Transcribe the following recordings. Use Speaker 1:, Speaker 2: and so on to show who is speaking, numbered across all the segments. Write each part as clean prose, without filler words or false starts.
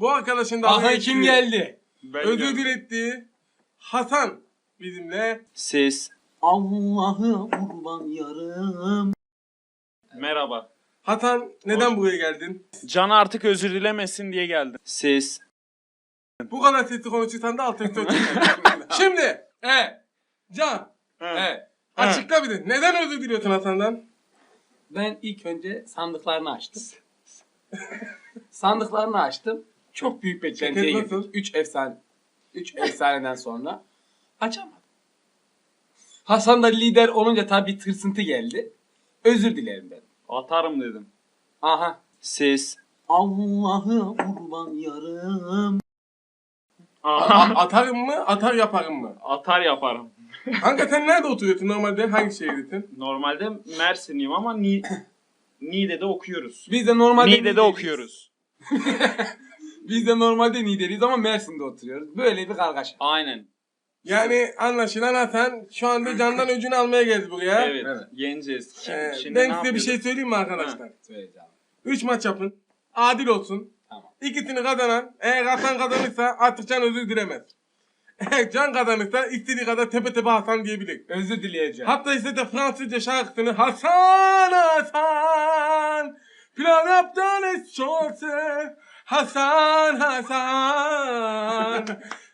Speaker 1: Bu arkadaşın da
Speaker 2: Aha kim geldi?
Speaker 1: özür diletti. Hasan bizimle.
Speaker 3: Siz.
Speaker 2: Allah'ı kurban yarım.
Speaker 3: Merhaba.
Speaker 1: Hasan neden buraya geldin?
Speaker 3: Can artık özür dilemesin diye geldim. Siz.
Speaker 1: Bu kadar sesli konuşursan da alt üstü Şimdi Can açıkla bir de. Neden özür diliyorsun Hasan'dan?
Speaker 2: Ben ilk önce sandıklarını açtım. Sandıklarını açtım. Çok büyük beklentiye
Speaker 1: Ceket nasıl?
Speaker 2: girdim. 3 efsaneden sonra açamadım. Hasan da lider olunca tabii tırsıntı geldi. Özür dilerim ben.
Speaker 3: Atarım dedim.
Speaker 2: Aha.
Speaker 3: Siz.
Speaker 2: Allah'ı kurban yarım.
Speaker 1: Atarım mı? Atar yaparım mı?
Speaker 3: Atar yaparım.
Speaker 1: Kanka sen nerede oturuyorsun normalde? Hangi şehirdesin?
Speaker 3: Normalde Mersinliyim ama Niğde'de okuyoruz.
Speaker 2: Biz de normalde
Speaker 3: Niğde'de okuyoruz.
Speaker 2: Biz de normalde Niğde'liyiz ama Mersin'de oturuyoruz. Böyle bir kargaşa.
Speaker 3: Aynen.
Speaker 1: Yani anlaşılan Hasan şu anda Can'dan öcünü almaya geldi buraya.
Speaker 3: Evet.
Speaker 2: Evet.
Speaker 3: Yeneceğiz. Şimdi
Speaker 1: Ben
Speaker 3: ne
Speaker 1: size bir şey
Speaker 3: yapıyoruz?
Speaker 1: söyleyeyim mi arkadaşlar?
Speaker 2: Söyleyeceğim.
Speaker 1: 3 maç yapın. Adil olsun.
Speaker 2: Tamam.
Speaker 1: İkisini kazanan, eğer Hasan kazanırsa artık Can özür dilemez. Eğer Can kazanırsa istediği kadar tepe tepe Hasan diyebilir.
Speaker 2: Özür dileyeceğim.
Speaker 1: Hatta işte de Fransızca şarkısını Hasan Hasan plan yaptın es çorse Hasan Hasan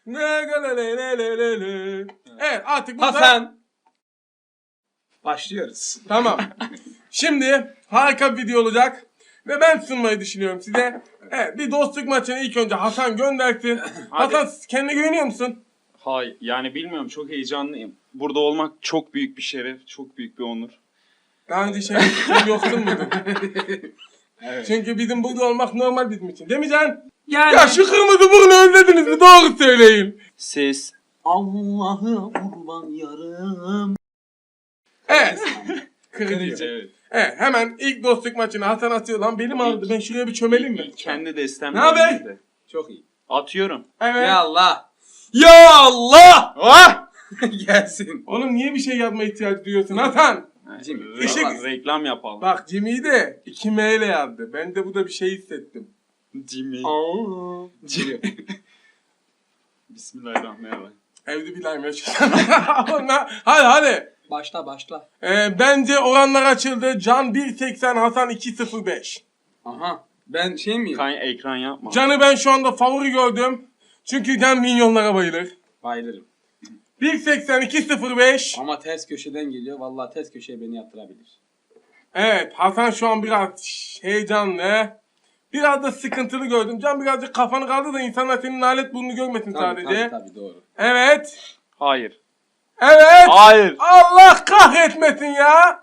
Speaker 1: Evet artık burada
Speaker 2: Hasan. Başlıyoruz.
Speaker 1: tamam. Şimdi harika bir video olacak ve ben sunmayı düşünüyorum size. Evet, bir dostluk maçını ilk önce Hasan göndersin.
Speaker 3: Hadi.
Speaker 1: Hasan kendine güveniyor musun?
Speaker 3: Hayır. Yani bilmiyorum. Çok heyecanlıyım. Burada olmak çok büyük bir şeref. Çok büyük bir onur.
Speaker 1: Daha önce şey yoksun muydun?
Speaker 2: Evet.
Speaker 1: Çünkü bizim burada olmak normal bizim için. Değil mi Can?
Speaker 2: Yani
Speaker 1: Ya şu kırmızı burnu özlediniz mi? Doğru söyleyin.
Speaker 3: Siz.
Speaker 2: Allah'ı kurban yarım.
Speaker 1: Evet. Kırıcı.
Speaker 3: Evet.
Speaker 1: Evet, hemen ilk dostluk maçını Hasan atıyor. Lan belim ağrıdı. Ben şuraya bir çömeleyim mi?
Speaker 3: Kendi destem.
Speaker 1: Ne haber?
Speaker 3: önünde.
Speaker 2: Çok iyi.
Speaker 3: Atıyorum.
Speaker 1: Evet.
Speaker 2: Ya Allah. Ya Allah.
Speaker 3: Ah!
Speaker 2: Gelsin.
Speaker 1: Oğlum niye bir şey yapma ihtiyacı duyuyorsun Hasan?
Speaker 2: Jimmy.
Speaker 1: Işık-
Speaker 3: Reklam yapalım.
Speaker 1: Bak Jimmy'yi de 2 M ile yazdı. Ben de burada bir şey hissettim.
Speaker 3: Jimmy.
Speaker 2: Jimmy.
Speaker 3: Bismillahirrahmanirrahim.
Speaker 1: Evde bir lime yaşasın. Hadi.
Speaker 2: Başla.
Speaker 1: Bence oranlar açıldı. Can 1.80, Hasan 2.05.
Speaker 2: Aha. Ben şey miyim?
Speaker 3: Ekran yapma.
Speaker 1: Can'ı ben şu anda favori gördüm. Çünkü Can minyonlara bayılır.
Speaker 2: Bayılırım.
Speaker 1: 1.80, 2.05.
Speaker 2: Ama ters köşeden geliyor. Vallahi ters köşeye beni yatırabilir.
Speaker 1: Evet, Hasan şu an biraz heyecanlı. Biraz da sıkıntılı gördüm. Can birazcık kafanı kaldı da insanlar senin nalet burnunu görmesin sadece.
Speaker 2: Tabii doğru.
Speaker 1: Evet.
Speaker 3: Hayır.
Speaker 1: Evet.
Speaker 3: Hayır.
Speaker 1: Allah kahretmesin ya.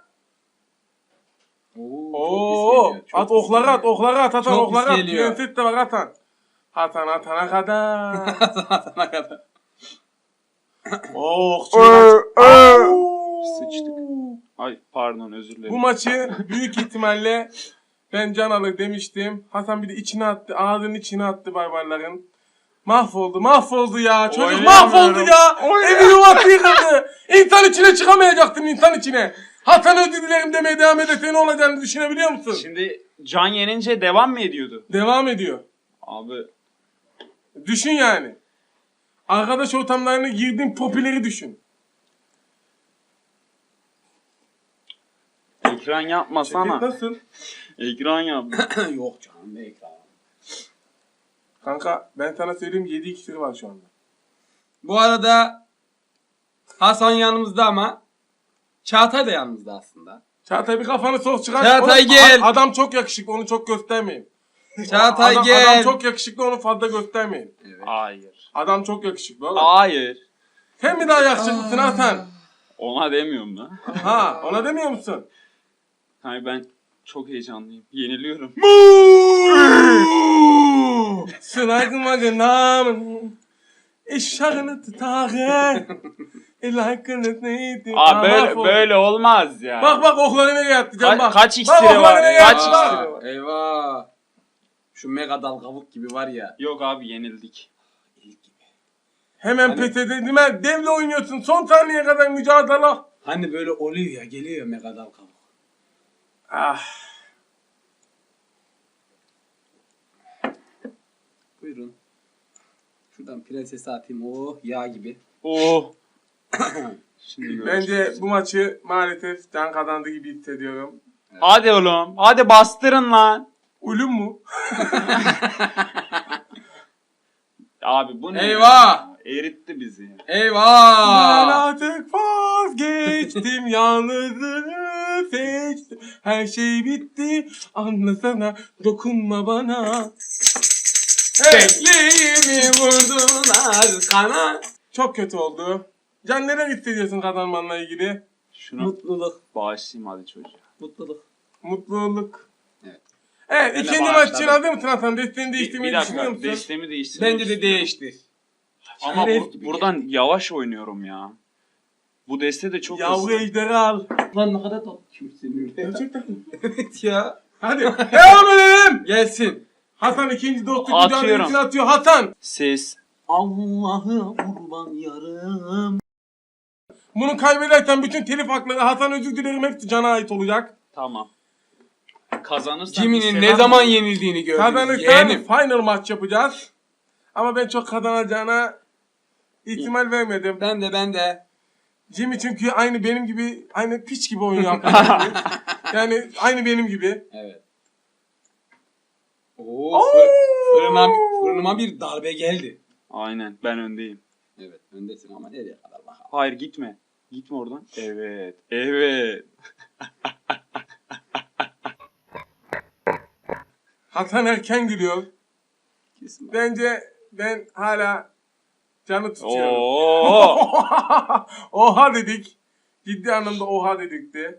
Speaker 2: Oo.
Speaker 1: Oo. At okları at, okları at. Hasan
Speaker 2: Çok
Speaker 1: okları
Speaker 2: pis
Speaker 1: at.
Speaker 2: geliyor.
Speaker 1: Prenses de var Hasan. Hasan atana kadar.
Speaker 2: Atana kadar.
Speaker 1: Oh.
Speaker 3: Sıçtık. Ay pardon özür dilerim.
Speaker 1: Bu maçı büyük ihtimalle ben Can alır demiştim. Hasan bir de içine attı. Ağzının içine attı barbarların. Mahvoldu ya. Çocuk
Speaker 3: Oynayamıyorum.
Speaker 1: mahvoldu ya. Evi yuvası yıkıldı. İnsan içine çıkamayacaktın insan içine. Hasan özür dilerim demeye devam ederse ne olacağını düşünebiliyor musun?
Speaker 3: Şimdi Can yenince devam mı ediyordu?
Speaker 1: Devam ediyor.
Speaker 3: Abi
Speaker 1: Düşün yani. Arkadaş ortamlarına girdiğin popüleri düşün.
Speaker 3: ekran yapmasana.
Speaker 1: Nasıl?
Speaker 3: Ekran yap.
Speaker 2: Yok canım ne ekranı.
Speaker 1: Kanka ben sana söyleyeyim 7 iksiri var şu anda.
Speaker 2: Bu arada Hasan yanımızda ama Çağatay da yanımızda aslında.
Speaker 1: Çağatay bir kafanı sok çıkar.
Speaker 2: Çağatay
Speaker 1: Oğlum,
Speaker 2: gel.
Speaker 1: Adam çok yakışıklı onu çok göstermeyin.
Speaker 2: Çağatay
Speaker 1: Adam
Speaker 2: gel.
Speaker 1: çok yakışıklı onu fazla göstermeyin.
Speaker 3: Hayır.
Speaker 1: Adam çok yakışıklı oğlum.
Speaker 3: Hayır.
Speaker 1: Sen mi daha yakışıklısın Hasan?
Speaker 3: Ona demiyorum lan.
Speaker 1: Ha ona demiyor musun?
Speaker 3: Hayır ben çok heyecanlıyım. Yeniliyorum.
Speaker 1: Sınaygın namın eşarını tutarı ilakını neydi?
Speaker 3: Abi böyle olmaz ya.
Speaker 1: Bak okları nereye attı can bak.
Speaker 3: Kaç
Speaker 1: Bak,
Speaker 3: iksiri
Speaker 1: okları
Speaker 3: var?
Speaker 1: nereye
Speaker 3: Kaç
Speaker 1: attı,
Speaker 3: iksiri
Speaker 1: bak.
Speaker 3: var?
Speaker 2: Eyvah. Şu mega dal kavuk gibi var ya.
Speaker 3: Yok abi yenildik.
Speaker 1: Hemen
Speaker 2: Hani-
Speaker 1: pes edildim. Devle oynuyorsun. Son saniyeye kadar mücadele.
Speaker 2: Hani böyle oluyor ya geliyor ya mega dal kavuk.
Speaker 1: Ah.
Speaker 2: Buyurun. Buyurun. Şuradan prensesi atayım. Oh yağ gibi.
Speaker 3: Oh. Şimdi görüşürüz.
Speaker 1: Bence bu maçı maalesef Can kazandı gibi hissediyorum.
Speaker 3: Hadi oğlum. Hadi bastırın lan.
Speaker 1: Ulum mu?
Speaker 3: Abi bu ne?
Speaker 2: Eyvah!
Speaker 3: Eritti bizi. ya.
Speaker 1: Ben
Speaker 2: Eyvah!
Speaker 1: artık vazgeçtim, yalnızlığı seçtim. Her şey bitti, anlasana, dokunma bana. Evet,
Speaker 2: Bekliğimi vurdular kana.
Speaker 1: çok kötü oldu. Can, neler hissediyorsun kazanmanla ilgili?
Speaker 3: Şunu
Speaker 2: Mutluluk.
Speaker 3: bağışlayayım hadi çocuğa.
Speaker 2: Mutluluk.
Speaker 1: Mutluluk.
Speaker 2: Evet.
Speaker 1: Evet,
Speaker 2: Ben de
Speaker 1: ikinci maç için
Speaker 2: bağışladım.
Speaker 1: hazır mısın Hasan? Desteğini
Speaker 3: Bir
Speaker 1: değiştirmeyi düşünüyor
Speaker 3: dakika.
Speaker 1: musun?
Speaker 3: Destemi değiştirmek
Speaker 2: Bence de
Speaker 3: istiyorum.
Speaker 2: değiştir.
Speaker 3: Ama
Speaker 2: Şeref gibi
Speaker 3: buradan yavaş oynuyorum ya. Bu deste de çok
Speaker 1: Yavru
Speaker 3: hızlı.
Speaker 1: ejderi al.
Speaker 2: Lan ne kadar tatlı kimsin öyle.
Speaker 1: Gerçekten mi?
Speaker 2: Evet ya.
Speaker 1: Hadi devam edelim.
Speaker 2: Gelsin.
Speaker 1: Hasan ikinci dostluk
Speaker 3: Atıyorum.
Speaker 1: mücadelesini atıyor. Hasan.
Speaker 3: Ses.
Speaker 2: Allah'ı kurban yarım.
Speaker 1: Bunu kaybedersen bütün telif hakları, Hasan özür dilerim, hepsi Can'a ait olacak.
Speaker 3: Tamam. Kazanırsan
Speaker 2: Jimmy'nin
Speaker 3: bir
Speaker 2: ne
Speaker 3: selam-
Speaker 2: zaman yenildiğini gördünüz.
Speaker 1: Kazanırsan
Speaker 2: Yeğenim.
Speaker 1: final maç yapacağız. Ama ben çok kazanacağına ihtimal vermedim.
Speaker 2: Ben de.
Speaker 1: Jimmy çünkü aynı benim gibi, aynı piç gibi oyun yapıyor. Yani aynı benim gibi.
Speaker 2: Evet. Oo, fırınıma bir darbe geldi.
Speaker 3: Aynen ben öndeyim.
Speaker 2: Evet öndesin ama nereye kadar bakalım.
Speaker 3: Hayır gitme. Gitme oradan. Evet. Evet.
Speaker 1: Hasan erken gülüyor.
Speaker 2: Kesin bak.
Speaker 1: Bence ben hala Can'ı tutuyorum.
Speaker 3: Oo.
Speaker 1: Oha dedik. Ciddi anlamda oha dedik de.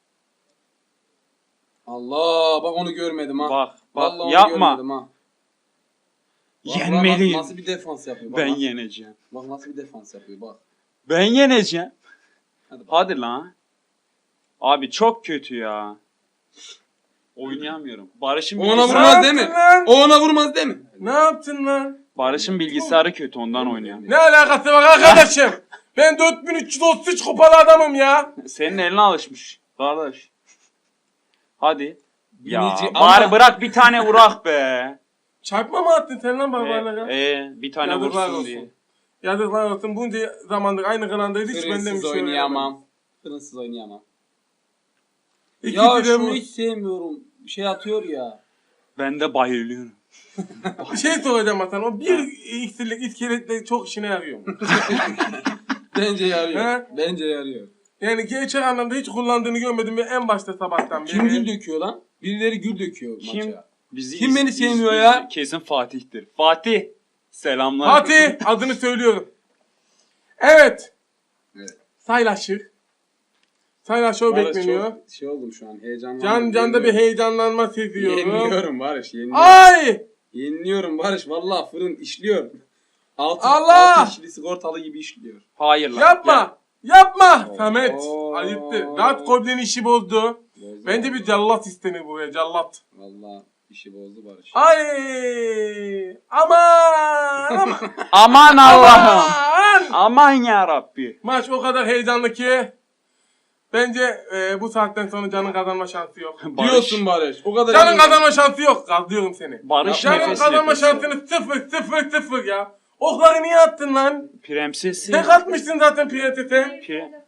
Speaker 2: Allah bak onu görmedim ha.
Speaker 3: Bak
Speaker 2: Vallahi onu
Speaker 3: yapma.
Speaker 2: görmedim ha. Bak,
Speaker 3: Yenmeliyim.
Speaker 2: Nasıl bir defans yapıyor. Bak,
Speaker 3: Ben
Speaker 2: bak.
Speaker 3: yeneceğim.
Speaker 2: Bak nasıl bir defans yapıyor bak.
Speaker 3: Ben yeneceğim.
Speaker 2: Hadi bak.
Speaker 3: Hadi lan. Abi çok kötü ya. Oynayamıyorum. Barış'ın
Speaker 2: O ona
Speaker 3: bilgisayarı,
Speaker 2: vurmaz değil mi?
Speaker 1: Lan?
Speaker 2: O ona vurmaz değil mi?
Speaker 1: Ne yaptın lan?
Speaker 3: Barış'ın bilgisayarı kötü ondan oynuyorum.
Speaker 1: Ne alakası var arkadaşım? Ben 4333 kupalı adamım ya.
Speaker 3: Senin eline alışmış. Kardeş. Hadi. Ya
Speaker 2: Binici
Speaker 3: bari
Speaker 2: ama-
Speaker 3: bırak bir tane vurak be.
Speaker 1: Çarpma mı attın sen lan barbarlara?
Speaker 3: Bir tane
Speaker 1: Yazıklar
Speaker 3: vursun
Speaker 1: olsun.
Speaker 3: diye.
Speaker 1: Yazıklar olsun. Bunca zamandır aynı kanaldayız. Hiç benden bir
Speaker 2: Fırınsız
Speaker 1: şey öğrenemem.
Speaker 2: oynayamam. Fırınsız oynayamam.
Speaker 1: İkisi
Speaker 2: Ya
Speaker 1: de
Speaker 2: şunu
Speaker 1: bu.
Speaker 2: hiç sevmiyorum. Bir şey atıyor ya.
Speaker 3: Ben de bayılıyorum.
Speaker 1: Bir şey soracağım Hasan. O bir iksirlik iskeletle çok işine yarıyor mu?
Speaker 2: Bence yarıyor.
Speaker 1: He?
Speaker 2: Bence yarıyor.
Speaker 1: Yani gerçek anlamda hiç kullandığını görmedim ve en başta sabahtan beri.
Speaker 2: Kim gül döküyor lan? Birileri gül döküyor
Speaker 3: Kim?
Speaker 2: maça.
Speaker 3: Bizi
Speaker 2: Kim beni sevmiyor ya?
Speaker 3: Kesin Fatih'tir. Fatih. Selamlar.
Speaker 1: Fatih adını söylüyorum. Evet.
Speaker 2: Evet.
Speaker 1: Saylaşır. Saylaşır
Speaker 2: Barış
Speaker 1: bekleniyor.
Speaker 2: çok şey oldum şu an heyecanlandım.
Speaker 1: Canda bir heyecanlanma seziyorum.
Speaker 2: Yeniliyorum Barış yeniliyorum.
Speaker 1: Ay!
Speaker 2: Yeniliyorum Barış vallahi fırın işliyor.
Speaker 1: Allah!
Speaker 2: Altı işli sigortalı gibi işliyor.
Speaker 3: Hayır lan.
Speaker 1: Yapma! Yapma!
Speaker 2: Oo.
Speaker 1: Samet! Ayıptı. Dark Goblin işi bozdu.
Speaker 2: Bozdu.
Speaker 1: Bence bir cellat istenir buraya. Cellat.
Speaker 2: Vallahi işi bozdu Barış.
Speaker 1: Ay! Aman! Aman!
Speaker 3: Aman Allah'ım.
Speaker 1: Aman!
Speaker 3: Aman ya Rabbi.
Speaker 1: Maç o kadar heyecanlı ki bence bu saatten sonra Can'ın kazanma şansı yok.
Speaker 2: Diyorsun Barış. O kadar
Speaker 1: Can'ın
Speaker 2: eminim.
Speaker 1: kazanma şansı yok. Gazlıyorum seni.
Speaker 3: Barış
Speaker 1: Can'ın
Speaker 3: nefes
Speaker 1: kazanma
Speaker 3: nefes.
Speaker 1: şansını sıfır ya. Okları niye attın lan?
Speaker 3: Prensesi.
Speaker 1: Tek atmışsın zaten prensese.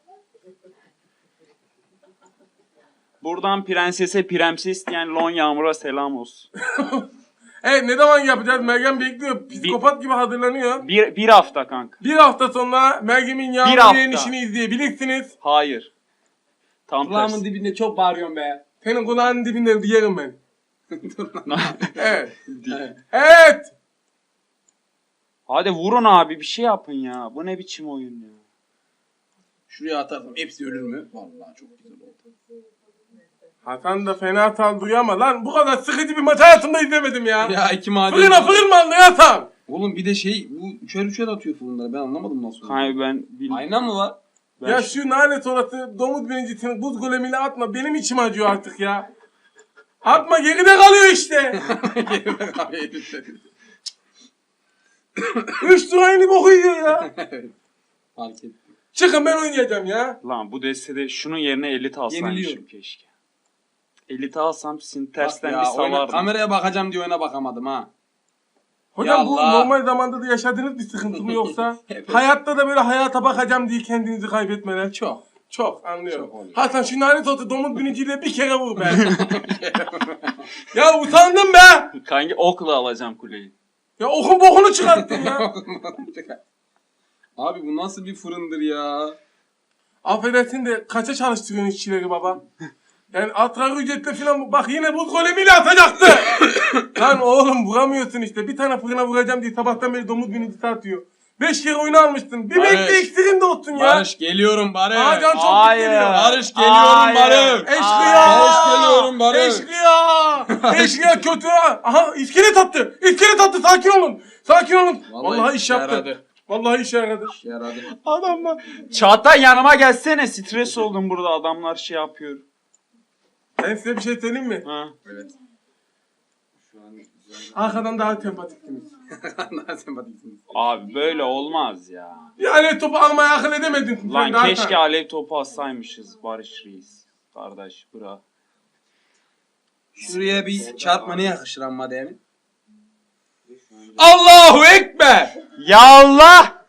Speaker 3: Buradan prensese prenses diyen Lon Yağmur'a selam olsun.
Speaker 1: Evet, ne zaman yapacağız? Meryem bekliyor. Psikopat gibi hazırlanıyor.
Speaker 3: Bir hafta kanka.
Speaker 1: Bir hafta sonra Meryem'in
Speaker 3: hafta.
Speaker 1: yağmur yenişini izleyebilirsiniz.
Speaker 3: Hayır. Tam
Speaker 2: Kulağımın
Speaker 3: tersi.
Speaker 2: dibinde çok bağırıyorum be.
Speaker 1: Senin kulağının dibinde yerim ben. Evet.
Speaker 2: Evet.
Speaker 1: Evet.
Speaker 3: Hadi vurun abi bir şey yapın ya. Bu ne biçim oyun ya.
Speaker 2: Şuraya atarsam hepsi ölür mü? Vallahi çok güzel oldu.
Speaker 1: Hasan da fena saldırıyor ama lan bu kadar sıkıcı bir maç hayatımda izlemedim ya.
Speaker 2: Ya iki maden.
Speaker 1: Fırın mı aldın Hasan?
Speaker 2: Oğlum bir de şey bu üçer atıyor fırınları ben anlamadım nasıl.
Speaker 3: Kanka ben bilmiyorum.
Speaker 2: Ayna mı var?
Speaker 1: Ya şu nalet orası domuz birincisini buz golemiyle atma. Benim içim acıyor artık ya. Atma, geride kalıyor işte. 3 lira aynı boku yiyor ya.
Speaker 2: Fark ettim.
Speaker 1: Çıkın, ben oynayacağım ya.
Speaker 3: Lan bu destede şunun yerine elit alsaymışım
Speaker 2: Yeniliyorum.
Speaker 3: keşke. Elit alsam sizin
Speaker 2: Bak
Speaker 3: tersten
Speaker 2: ya,
Speaker 3: bir
Speaker 2: oyna,
Speaker 3: salardım.
Speaker 2: kameraya bakacağım diye oyuna bakamadım ha.
Speaker 1: Hocam bu
Speaker 2: Yallah.
Speaker 1: normal zamanda da yaşadığınız bir sıkıntı mı yoksa? Hayatta da böyle hayata bakacağım diye kendinizi kaybetmeler.
Speaker 2: Çok.
Speaker 1: Çok anlıyorum.
Speaker 2: Çok oluyor.
Speaker 1: Hasan şu lanet olsun domuz biniciyle bir kere vur be. Ya utandım be.
Speaker 3: Kanki okla alacağım kuleyi.
Speaker 1: Ya okun bokunu çıkarttın ya.
Speaker 2: Abi bu nasıl bir fırındır ya?
Speaker 1: Affedersin de kaça çalıştırıyorsun işçileri baba? Yani asgari ücretle falan bak yine buz golemiyle atacaktı. Lan oğlum vuramıyorsun işte. Bir tane fırına vuracağım diye sabahtan beri domuz binicisi atıyor. 5 kere oyunu almıştın. Bir
Speaker 2: Barış.
Speaker 1: bekle eksiğin de olsun ya.
Speaker 2: Barış geliyorum Barış.
Speaker 1: Aa, can çok
Speaker 3: Hayır.
Speaker 1: geliyor.
Speaker 2: Barış geliyorum
Speaker 3: Hayır.
Speaker 2: Barış.
Speaker 1: Eşkıya.
Speaker 2: Barış geliyorum Barış.
Speaker 1: Eşkıya. Eşkıya kötü ha. Aha iskelet attı. İskelet attı. Sakin olun. Sakin olun. Vallahi iş yaptı.
Speaker 2: yaradı.
Speaker 1: Vallahi iş yaradı.
Speaker 2: Yaradı.
Speaker 3: Adamlar. Çağatay yanıma gelsene. Stres oldum burada. Adamlar şey yapıyor.
Speaker 1: Ben size bir şey söyleyeyim mi?
Speaker 3: Ha.
Speaker 2: Evet. Şu an güzel.
Speaker 1: Arkadan daha sempatiktiniz.
Speaker 2: Daha sempatiksiniz.
Speaker 3: Abi böyle olmaz ya.
Speaker 1: Yani topu almaya akıl edemedin. sen
Speaker 3: Lan
Speaker 1: daha
Speaker 3: keşke
Speaker 1: sen.
Speaker 3: alev topu atsaymışız Barış Reis. Kardeş bırak.
Speaker 2: Şuraya bir çarpma ne yakışır amma değil mi? Allahu Ekber!
Speaker 3: Ya Allah!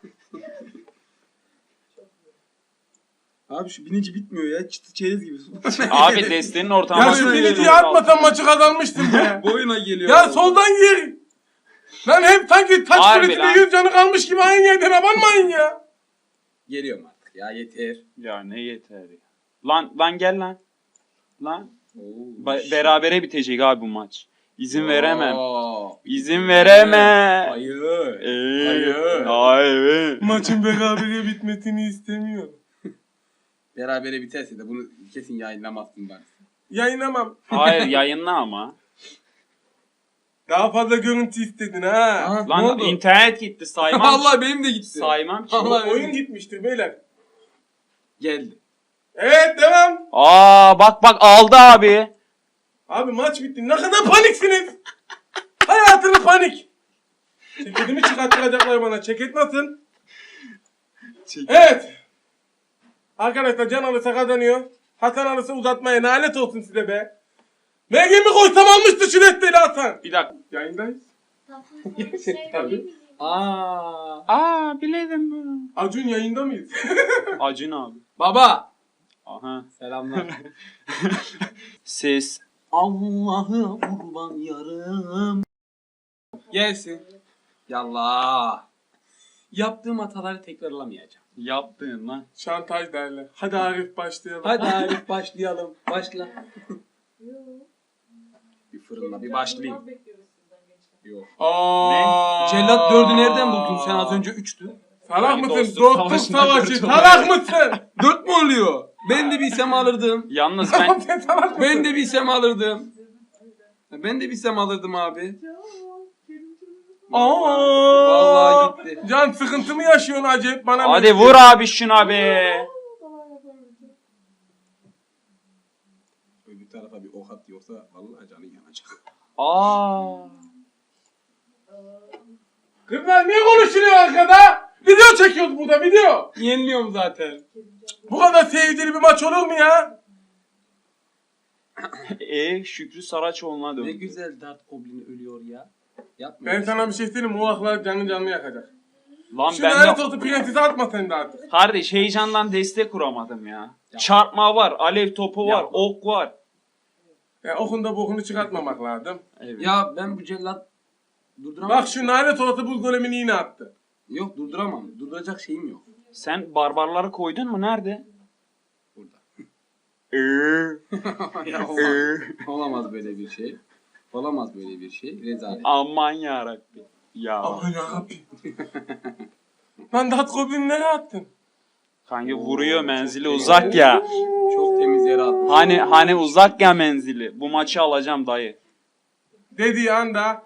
Speaker 2: Abi şu binici bitmiyor ya. Çıtı çerez gibi.
Speaker 3: Abi destenin ortamı.
Speaker 1: Ya şu biniciyi atmasan maçı kazanmıştın be.
Speaker 2: Boyuna geliyor.
Speaker 1: Ya soldan gir. Lan hep sanki taç
Speaker 3: Harbi
Speaker 1: kulesinde
Speaker 3: lan.
Speaker 1: 100 canı kalmış gibi aynı yerden abanmayın ya.
Speaker 2: Geliyorum artık ya yeter.
Speaker 3: Ya ne yeter ya. Lan gel lan. Lan.
Speaker 2: Oo,
Speaker 3: Berabere bitecek abi bu maç. İzin veremem.
Speaker 2: Oo.
Speaker 3: İzin veremem.
Speaker 2: Hayır.
Speaker 3: Hayır. Hayır.
Speaker 1: Maçın berabere bitmesini istemiyorum.
Speaker 2: Berabere biterse de bunu kesin yayınlamazsın ben.
Speaker 1: Yayınlamam.
Speaker 3: Hayır yayınla ama.
Speaker 1: Daha fazla görüntü istedin ha.
Speaker 2: Aha, ne
Speaker 3: Lan
Speaker 2: oldu?
Speaker 3: internet gitti saymam.
Speaker 2: Vallahi benim de gitti.
Speaker 3: Saymam ki.
Speaker 2: Allah-
Speaker 1: Oyun gitmiştir beyler.
Speaker 2: Geldi.
Speaker 1: Evet devam.
Speaker 3: Aa bak aldı abi.
Speaker 1: Abi maç bitti. Ne kadar paniksiniz. Hayatını panik. Ceketimi çıkarttıracaklar bana. Ceket nasıl? Evet. Arkadaşlar can alırsa kazanıyor. Hasan alırsa uzatmaya nalet olsun size be. MG'mi koysam almıştı şu desteğiyle Hasan.
Speaker 3: Bir dakika.
Speaker 1: Yayındayız.
Speaker 2: Tabii.
Speaker 3: Aa biledim bunu.
Speaker 1: Acun yayında mıyız?
Speaker 3: Acun abi.
Speaker 2: Baba.
Speaker 3: Aha.
Speaker 2: Selamlar.
Speaker 3: Ses.
Speaker 2: Allah'ı kurban yarım. Gelsin. Yallah. Yaptığım hataları tekrarlamayacağım.
Speaker 3: Yaptın lan.
Speaker 1: Şantaj derler. Hadi Arif başlayalım.
Speaker 2: Hadi Arif başlayalım. Başla. Bir fırınla bir başlayayım. Yok.
Speaker 1: Aa.
Speaker 2: Cellat 4'ü nereden buldun sen az önce 3'tü?
Speaker 1: Salak
Speaker 3: Yani
Speaker 1: mısın?
Speaker 3: dostluk
Speaker 1: Dostluk
Speaker 3: savaşında
Speaker 1: savaşı.
Speaker 3: dört
Speaker 1: Salak mısın?
Speaker 2: 4 mü oluyor? Ben de bilsem alırdım.
Speaker 3: Yalnız ben
Speaker 1: Sen salak mısın?
Speaker 2: Ben de bilsem alırdım. Ben de bilsem alırdım abi.
Speaker 1: Aa.
Speaker 2: Vallahi gitti.
Speaker 1: Can sıkıntı mı yaşıyorsun acayip bana?
Speaker 3: hadi vur abi şuna be.
Speaker 2: Öbür tarafa bir ok at yoksa vallahi canın yanacak.
Speaker 3: Aa.
Speaker 1: Kızlar niye konuşuyor arkada? Video çekiyoruz burada video.
Speaker 2: Yeniliyorum zaten.
Speaker 1: Bu kadar seyircili bir maç olur mu ya?
Speaker 3: Şükrü Saraçoğlu'na
Speaker 2: Ne
Speaker 3: döndü.
Speaker 2: güzel dart goblini ölüyor ya. Yapma.
Speaker 1: Ben sana bir şey söyleyeyim mi? O aklar canlı yakacak.
Speaker 3: Lan
Speaker 1: Şu
Speaker 3: ben
Speaker 1: lanet
Speaker 3: de...
Speaker 1: olsun prensesi atma sen de artık.
Speaker 3: Kardeş heyecandan destek kuramadım ya. Çarpma var, alev topu var,
Speaker 2: Yapma.
Speaker 3: ok var.
Speaker 1: Ya okunda bokunu çıkartmamak lazım.
Speaker 3: Evet.
Speaker 2: Ya ben bu cellat durduramam.
Speaker 1: Bak şu lanet olası buz golemini yine attı.
Speaker 2: Yok durduramam. Durduracak şeyim yok.
Speaker 3: Sen barbarları koydun mu? Nerede?
Speaker 2: Burada.
Speaker 3: Ya
Speaker 2: Olamaz böyle bir şey. Olamaz böyle bir şey. Rezalet.
Speaker 3: Aman yarabbim. Ya.
Speaker 1: Aman yarabbim. Lan dat goblini nereye attın?
Speaker 3: Kanka vuruyor menzili uzak ya.
Speaker 2: Çok temiz yere attım.
Speaker 3: Hani uzak ya menzili. Bu maçı alacağım dayı.
Speaker 1: Dediği anda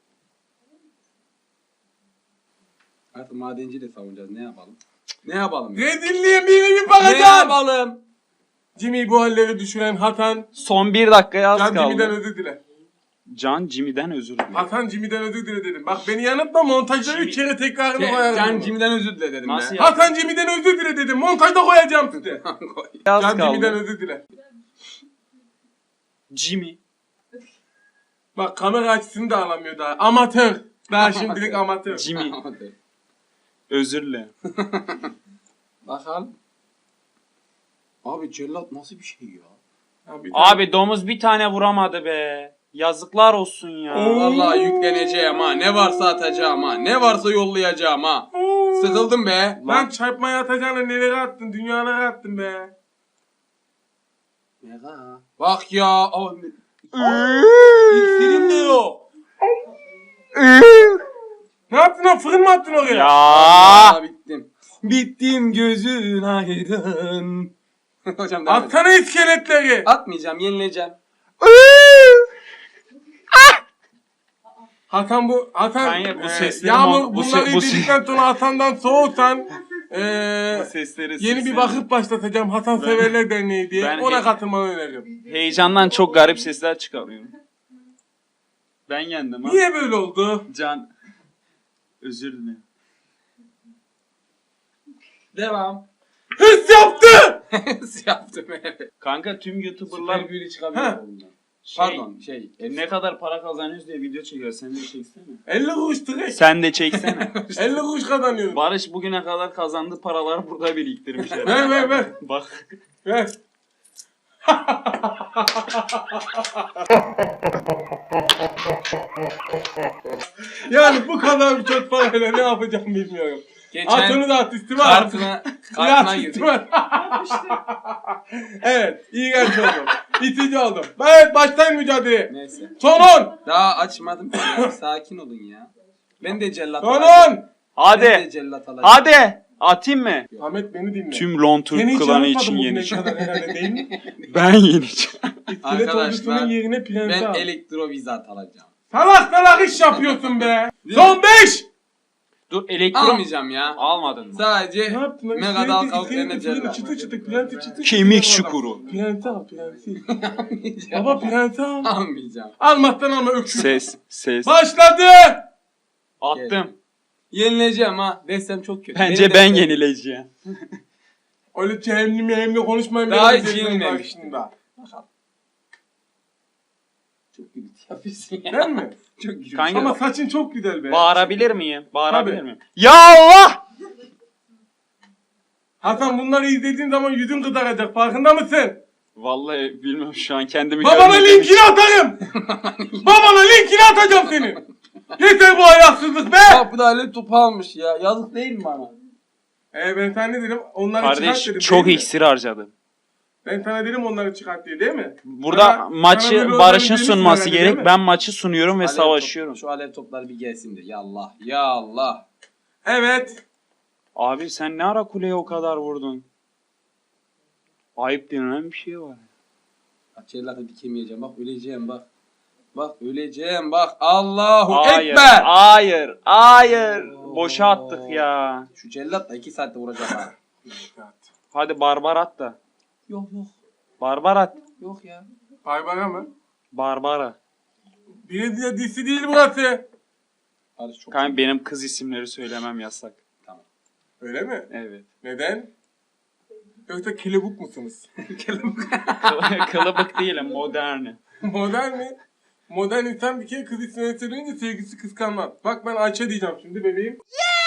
Speaker 2: Artık madenci de savunacağız. Ne yapalım? Ne yapalım?
Speaker 1: rezilliğe bir
Speaker 2: Ne
Speaker 1: bakacağım.
Speaker 2: yapalım?
Speaker 1: Jimmy'yi bu halleri düşüren Hatan.
Speaker 3: Son bir dakikaya az
Speaker 1: Can Jimmy'den
Speaker 3: kaldı.
Speaker 1: özür dile.
Speaker 3: Can Jimmy'den özür dilerim.
Speaker 1: Hasan Jimmy'den özür dile dedim. Bak beni yanıltma montajda
Speaker 3: Jimmy-
Speaker 1: 3 kere tekrarını koyarım.
Speaker 2: Can Jimmy'den özür dile dedim
Speaker 3: Nasıl
Speaker 2: be.
Speaker 3: ya?
Speaker 1: Hasan Jimmy'den özür dile dedim. Montajda koyacağım size.
Speaker 3: Az
Speaker 1: Can Jimmy'den
Speaker 3: kaldı.
Speaker 1: özür dile.
Speaker 3: Jimmy.
Speaker 1: Bak kamera açısını da alamıyor daha. Amatör. Daha şimdilik amatör.
Speaker 3: Jimmy. Özür dilerim.
Speaker 2: Bakalım. Abi cellat nasıl bir şey ya?
Speaker 3: Abi domuz bir tane vuramadı be. Yazıklar olsun ya.
Speaker 1: Oo.
Speaker 2: Vallahi yükleneceğim ha. Ne varsa atacağım ha. Ne varsa yollayacağım ha. Sıkıldım be.
Speaker 1: Lan çarpmaya atacağına nelere attın? Dünyalara attın be.
Speaker 2: Mega. Bak ya. Abi. İksirim de yok.
Speaker 1: Ne yaptın lan? Fırın mı attın oraya?
Speaker 3: Ya.
Speaker 2: Aa, bittim. Bittim gözün aydın. Hocam devam et.
Speaker 1: Atsana iskeletleri.
Speaker 2: Atmayacağım, yenileceğim.
Speaker 1: Hasan
Speaker 3: Kanka, bu sesleri
Speaker 1: Yağmur
Speaker 3: bu
Speaker 1: bunları
Speaker 3: se- bu se-
Speaker 1: izledikten sonra Hasan'dan soğutan
Speaker 3: Sesleri
Speaker 1: yeni bir vakıf başlatacağım Hasan Severler Derneği diye.
Speaker 3: ben
Speaker 1: Ona
Speaker 3: he-
Speaker 1: katılmanı öneriyorum.
Speaker 3: Heyecandan çok garip sesler çıkarıyorum. Ben yendim ha.
Speaker 1: Niye böyle oldu?
Speaker 3: Can. Özür dilerim.
Speaker 2: Devam.
Speaker 1: Hırs yaptı!
Speaker 2: Yaptım evet.
Speaker 3: Kanka tüm YouTuber'lar
Speaker 2: Süper büyülü çıkabiliyor
Speaker 1: Ha.
Speaker 2: bundan.
Speaker 3: şey,
Speaker 2: Pardon
Speaker 3: ne kadar para kazanıyoruz diye video çekiyor. Sen de çeksene.
Speaker 1: 50 kuruş direkt.
Speaker 3: Sen de çeksene.
Speaker 1: 50 kuruş kazanıyorum.
Speaker 3: Barış bugüne kadar kazandığı paraları burada biriktirmiş.
Speaker 1: Ver.
Speaker 3: Bak.
Speaker 1: Ver. Yani bu kadar çok parayla ne yapacağım bilmiyorum. At onu da artisti var.
Speaker 2: Kartına girdik.
Speaker 1: Evet, iyi genç oldum. İtici oldum. Evet, başlayın mücadeleye.
Speaker 2: Neyse.
Speaker 1: Son 10.
Speaker 2: Daha açmadım ki ya. Sakin olun ya. Ben de cellat
Speaker 1: Son
Speaker 2: alacağım.
Speaker 1: 10.
Speaker 2: Ben de
Speaker 3: Hadi.
Speaker 2: cellat alacağım.
Speaker 3: Hadi. Atayım mı?
Speaker 1: Ahmet beni dinle.
Speaker 3: Tüm Lon
Speaker 1: Seni
Speaker 3: Türk
Speaker 1: hiç
Speaker 3: klanı
Speaker 1: yanıltmadım
Speaker 3: için
Speaker 1: bugüne
Speaker 3: yeneceğim.
Speaker 1: kadar herhalde değil mi?
Speaker 3: Ben yeneceğim.
Speaker 1: İskelet
Speaker 2: Arkadaşlar,
Speaker 1: ordusunun yerine prensi
Speaker 2: Ben
Speaker 1: al.
Speaker 2: elektrovizat alacağım.
Speaker 1: Salak iş yapıyorsun be. Son 5.
Speaker 3: Dur elektro...
Speaker 2: Almayacağım ya.
Speaker 3: Almadın mı?
Speaker 2: Sadece
Speaker 1: Ne yaptın lan?
Speaker 2: Mega Dal Kalklarına
Speaker 1: Fırını
Speaker 2: cellat.
Speaker 1: çıtı çıtı prensi çıtı.
Speaker 3: Kemik
Speaker 1: çıtı
Speaker 3: çukuru.
Speaker 1: Prensi al prensi.
Speaker 2: Almayacağım.
Speaker 1: Baba prensi al.
Speaker 2: Almayacağım.
Speaker 1: Almazsan alma öksür.
Speaker 3: Ses.
Speaker 1: Başladı.
Speaker 3: Attım.
Speaker 2: Yenileceğim ha. Destem çok kötü.
Speaker 3: Bence
Speaker 2: Benim
Speaker 3: ben
Speaker 2: destem-
Speaker 3: yenileceğim.
Speaker 1: Öyle cehennemi konuşmayın.
Speaker 2: Daha
Speaker 1: benim
Speaker 2: hiç
Speaker 1: dediğim
Speaker 2: yenilmemiştim.
Speaker 1: karşısında.
Speaker 2: Çok gürültü yapıyorsun ya.
Speaker 1: Değil mi?
Speaker 2: Çok gürültü.
Speaker 3: Kanka-
Speaker 1: Ama saçın çok güzel be.
Speaker 3: Bağırabilir miyim? Bağırabilir
Speaker 1: Tabii.
Speaker 3: miyim? Ya Allah!
Speaker 1: Hasan bunları izlediğin zaman yüzün kızaracak. Farkında mısın?
Speaker 3: Vallahi bilmiyorum şu an kendimi
Speaker 1: Babana
Speaker 3: görmedim.
Speaker 1: linkini atarım. Babana linkini atacağım senin. Yeter bu ayaksızlık be.
Speaker 2: Bak bu da laptop almış ya. Yazık değil mi bana?
Speaker 1: Ben sana ne dedim? Onları
Speaker 3: Kardeş
Speaker 1: çıkart dedim.
Speaker 3: çok
Speaker 1: değil mi?
Speaker 3: iksir harcadım.
Speaker 1: Ben sana dedim onları çıkart diye değil mi?
Speaker 3: Burada
Speaker 1: Sana
Speaker 3: maçı
Speaker 1: böyle
Speaker 3: Barış'ın
Speaker 1: özel bir
Speaker 3: sunması
Speaker 1: herhalde, değil
Speaker 3: gerek.
Speaker 1: mi?
Speaker 3: Ben maçı sunuyorum ve
Speaker 2: Alev
Speaker 3: savaşıyorum.
Speaker 2: top- Şu alev topları bir gelsin de. Ya Allah. Ya Allah.
Speaker 1: Evet.
Speaker 3: Abi sen ne ara kuleye o kadar vurdun? Ayıp denilen bir şey var.
Speaker 2: Açerlerde dikemeyeceğim. Bak öleceğim bak. Bak öleceğim bak. Allahu
Speaker 3: Hayır,
Speaker 2: Ekber.
Speaker 3: hayır. Boşa attık ya.
Speaker 2: Şu cellatla 2 saatte vuracağım ha.
Speaker 3: Hadi barbar at da.
Speaker 2: Yok.
Speaker 3: Barbar at.
Speaker 2: Yok ya.
Speaker 1: Baybara mı?
Speaker 3: Barbara.
Speaker 1: Bir de disi değil burası.
Speaker 2: Barış çok
Speaker 3: Kanka benim kız isimleri söylemem yasak.
Speaker 1: Öyle mi?
Speaker 3: Evet.
Speaker 1: Neden? Yoksa kelebuk musunuz?
Speaker 3: Kılıbık değilim, moderni.
Speaker 1: Modern mi? Modern insan bir kere kız ismini söyleyince sevgisi kıskanmaz. Bak ben Ayça diyeceğim şimdi bebeğim.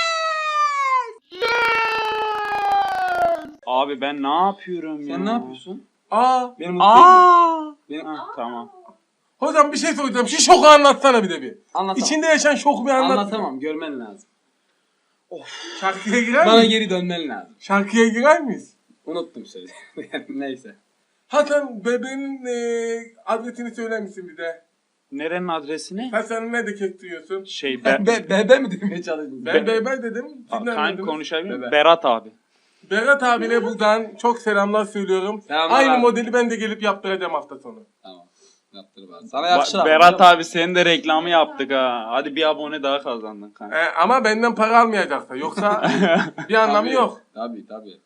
Speaker 3: Abi ben ne yapıyorum ya?
Speaker 2: Sen ne yapıyorsun?
Speaker 1: Aa.
Speaker 2: Benim mutlu ediyorsun.
Speaker 3: Aa!
Speaker 2: Benim...
Speaker 3: Hah, tamam.
Speaker 1: Hocam bir şey soracağım. Şu şoku anlatsana bir de bir.
Speaker 2: Anlatamam.
Speaker 1: İçinde yaşayan şoku bir anlat.
Speaker 2: Anlatamam. Görmen lazım.
Speaker 1: Şarkıya girer
Speaker 2: Bana
Speaker 1: miyiz?
Speaker 2: geri dönmen lazım.
Speaker 1: Şarkıya girer miyiz?
Speaker 2: Unuttum sözü. Neyse.
Speaker 1: Hasan bebeğin adresini söyler misin bize?
Speaker 3: Nerenin adresini?
Speaker 1: Hasan ne de kestiriyorsun?
Speaker 3: Şey
Speaker 2: Bebe mi demeye çalıştın?
Speaker 1: Ben bebe dedim. Siz ne
Speaker 3: Kan
Speaker 1: dediniz?
Speaker 3: konuşabilir miyim?
Speaker 2: Bebe.
Speaker 3: Berat abi.
Speaker 1: Berat abine buradan çok selamlar söylüyorum.
Speaker 2: Selamlar
Speaker 1: Aynı
Speaker 2: abi.
Speaker 1: modeli ben de gelip yaptıracağım hafta sonu.
Speaker 2: Tamam. Yaptır bari. Sana yakışır abi.
Speaker 3: Berat abi senin de reklamı yaptık ha. Hadi bir abone daha kazandın kanka.
Speaker 1: Ama benden para almayacaksa. Yoksa bir anlamı
Speaker 2: Tabii,
Speaker 1: yok.
Speaker 2: Tabii.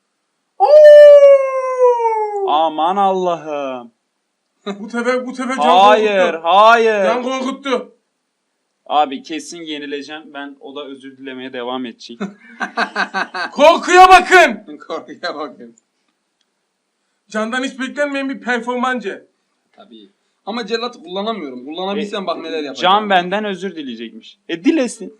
Speaker 3: Aman Allah'ım.
Speaker 1: Bu sefer can
Speaker 3: Hayır,
Speaker 1: korkuttu.
Speaker 3: hayır.
Speaker 1: Can korkuttu.
Speaker 3: Abi kesin yenileceğim. Ben o da özür dilemeye devam edecek.
Speaker 1: Korkuya bakın.
Speaker 2: Korkuya bakın.
Speaker 1: Candan hiç beklenmeyen bir performancı.
Speaker 2: Tabii. Ama cellatı kullanamıyorum. Kullanabilsem bak neler yapacağım.
Speaker 3: Can benden özür dileyecekmiş. Dilesin.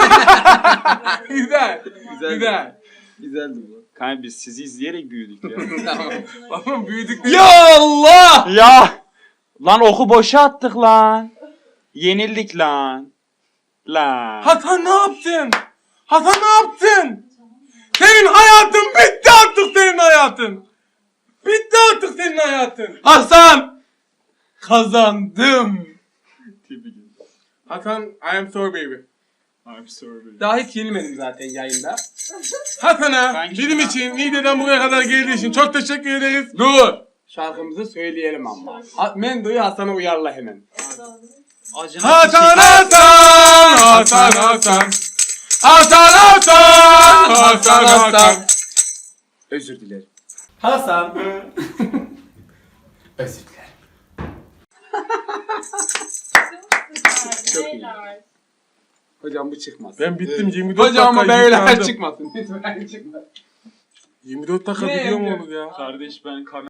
Speaker 1: Güzel.
Speaker 2: Güzel.
Speaker 1: Güzel.
Speaker 2: Güzeldi bu.
Speaker 3: Kanka biz sizi izleyerek büyüdük ya.
Speaker 2: Tamam.
Speaker 1: Babam büyüdük.
Speaker 2: Ya Allah!
Speaker 3: Ya! Lan oku boşa attık lan. Yenildik lan. Lan.
Speaker 1: Hasan ne yaptın? Hasan ne yaptın? Senin hayatın bitti artık senin hayatın. Bitti artık senin hayatın.
Speaker 2: Hasan! Kazandım.
Speaker 1: Hasan I am sorry baby.
Speaker 3: I'm sorry.
Speaker 2: Daha hiç yenilmedim zaten yayında.
Speaker 1: Hasan'a
Speaker 3: Ben
Speaker 1: bizim
Speaker 3: şuna-
Speaker 1: için Niğde'den buraya kadar geldiği için çok teşekkür ederiz.
Speaker 2: Dur! Şarkımızı söyleyelim ama. Mendo'yu Hasan'a uyarla hemen.
Speaker 3: Acına
Speaker 1: Hasan Hasan Hasan Hasan Hasan Hasan Hasan Hasan.
Speaker 2: Özür dilerim. Hasan. Özür dilerim. Çok iyi. Hocam bu çıkmaz.
Speaker 1: Ben bittim 24
Speaker 2: Hocam
Speaker 1: dakika
Speaker 2: beyler
Speaker 1: yıkandım.
Speaker 2: çıkmasın. Lütfen çıkmasın.
Speaker 1: 24 dakika
Speaker 2: Ne
Speaker 1: video mu
Speaker 2: yapıyor?
Speaker 1: olur ya?
Speaker 3: Kardeş ben